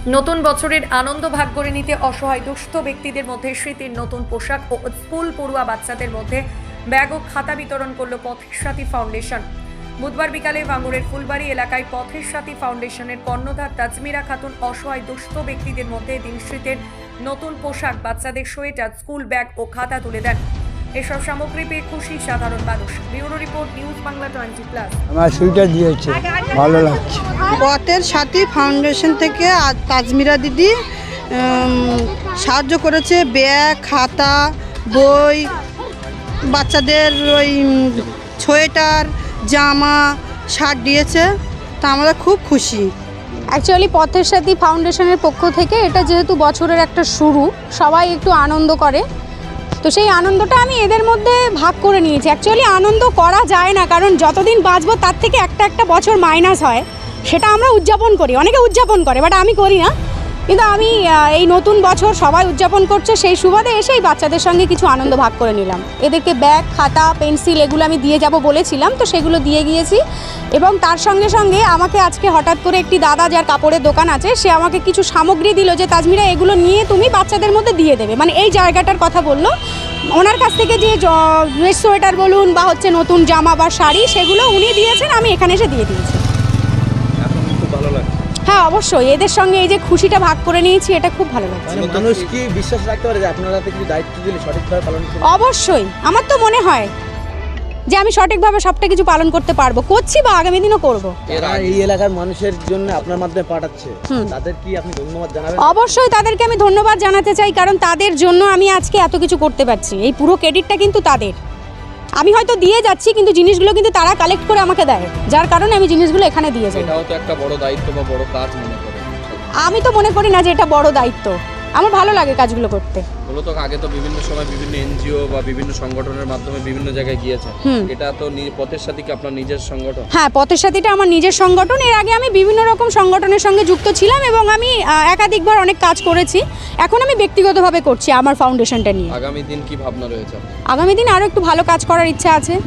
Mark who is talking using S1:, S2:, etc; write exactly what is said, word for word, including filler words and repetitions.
S1: নতুন বছরের আনন্দ ভাগ করে নিতে অসহায় দুস্থ ব্যক্তিদের মধ্যে শীতের নতুন পোশাক ও স্কুল পড়ুয়া বাচ্চাদের মধ্যে ব্যাগ ও খাতা বিতরণ করল পথের সাথী ফাউন্ডেশন। বুধবার বিকালে ভাঙড়ের ফুলবাড়ি এলাকায় পথের সাথী ফাউন্ডেশনের কর্ণধার তাজমিরা খাতুন অসহায় দুস্থ ব্যক্তিদের মধ্যে দিন শীতের নতুন পোশাক, বাচ্চাদের সোয়েটার, স্কুল ব্যাগ ও খাতা তুলে দেন। এসব সামগ্রী পেয়ে খুশি সাধারণ মানুষ। Bureau report, news Bangla twenty plus.
S2: আমার সুইটার দিয়েছে, ভালো লাগছে।
S3: পথের সাথী ফাউন্ডেশন থেকে আজ তাজমিরা দিদি উম, সাহায্য করেছে। ব্যাগ, খাতা, বই, বাচ্চাদের ওই সোয়েটার, জামা, শার্ট দিয়েছে। তা আমরা খুব খুশি।
S4: অ্যাকচুয়ালি পথের সাথী ফাউন্ডেশনের পক্ষ থেকে এটা যেহেতু বছরের একটা শুরু, সবাই একটু আনন্দ করে, তো সেই আনন্দটা আমি এদের মধ্যে ভাগ করে নিয়েছি। অ্যাকচুয়ালি আনন্দ করা যায় না, কারণ যতদিন বাঁচবো তার থেকে একটা একটা বছর মাইনাস হয়, সেটা আমরা উদযাপন করি, অনেকে উদযাপন করে, বাট আমি করি না। কিন্তু আমি এই নতুন বছর সবাই উদযাপন করছে, সেই সুবাদে এসেই বাচ্চাদের সঙ্গে কিছু আনন্দ ভাগ করে নিলাম। এদেরকে ব্যাগ, খাতা, পেন্সিল এগুলো আমি দিয়ে যাব বলেছিলাম, তো সেগুলো দিয়ে গিয়েছি। এবং তার সঙ্গে সঙ্গে আমাকে আজকে হঠাৎ করে একটি দাদা, যার কাপড়ের দোকান আছে, সে আমাকে কিছু সামগ্রী দিল যে তাজমিরা এগুলো নিয়ে তুমি বাচ্চাদের মধ্যে দিয়ে দেবে, মানে এই জায়গাটার কথা বললো। ওনার কাছ থেকে যে ড্রেস, সোয়েটার বলুন বা হচ্ছে নতুন জামা বা শাড়ি, সেগুলো উনি দিয়েছেন, আমি এখানে এসে দিয়ে দিয়েছি। হ্যাঁ, অবশ্যই এদের সঙ্গে এই যে খুশিটা ভাগ করে নিয়েছি, এটা খুব ভালো লাগছে।
S5: মানুষ কি বিশ্বাস রাখতে পারে যে আপনারা কিছু দায়িত্ব দিলে সঠিকভাবে পালন করবেন?
S4: অবশ্যই, আমার তো মনে হয় যে আমি সঠিকভাবে সবটা কিছু পালন করতে পারবো, করছি বা আগামী দিনও করবো।
S5: এরা এই এলাকার মানুষের জন্য আপনার মাধ্যমে পাঠাচ্ছে, তাদের কি আপনি ধন্যবাদ জানাবেন?
S4: অবশ্যই তাদেরকে আমি ধন্যবাদ জানাতে চাই, কারণ তাদের জন্য আমি আজকে এত কিছু করতে পারছি। এই পুরো ক্রেডিটটা কিন্তু তাদের। আমি হয়তো দিয়ে যাচ্ছি, কিন্তু জিনিসগুলো কিন্তু তারা কালেক্ট করে আমাকে দেয়, যার কারণে আমি জিনিসগুলো এখানে দিয়ে যাই।
S6: এটাও তো একটা বড় দায়িত্ব বা বড় কাজ মনে করেন?
S4: আমি তো মনে করি না যে এটা বড় দায়িত্ব, আমার ভালো লাগে কাজগুলো করতে।
S6: মূলত আগে তো বিভিন্ন সময় বিভিন্ন এনজিও বা বিভিন্ন সংগঠনের মাধ্যমে বিভিন্ন জায়গায় গিয়েছেন, এটা তো পথের সাথী কি আপনার নিজের সংগঠন?
S4: হ্যাঁ, পথের সাথীটা আমার নিজের সংগঠন। এর আগে আমি বিভিন্ন রকম সংগঠনের সঙ্গে যুক্ত ছিলাম এবং আমি একাধিকবার অনেক কাজ করেছি। এখন আমি ব্যক্তিগতভাবে করছি আমার ফাউন্ডেশনটা নিয়ে।
S6: আগামী দিন কি ভাবনা রয়েছে?
S4: আগামী দিন আরও একটু ভালো কাজ করার ইচ্ছা আছে।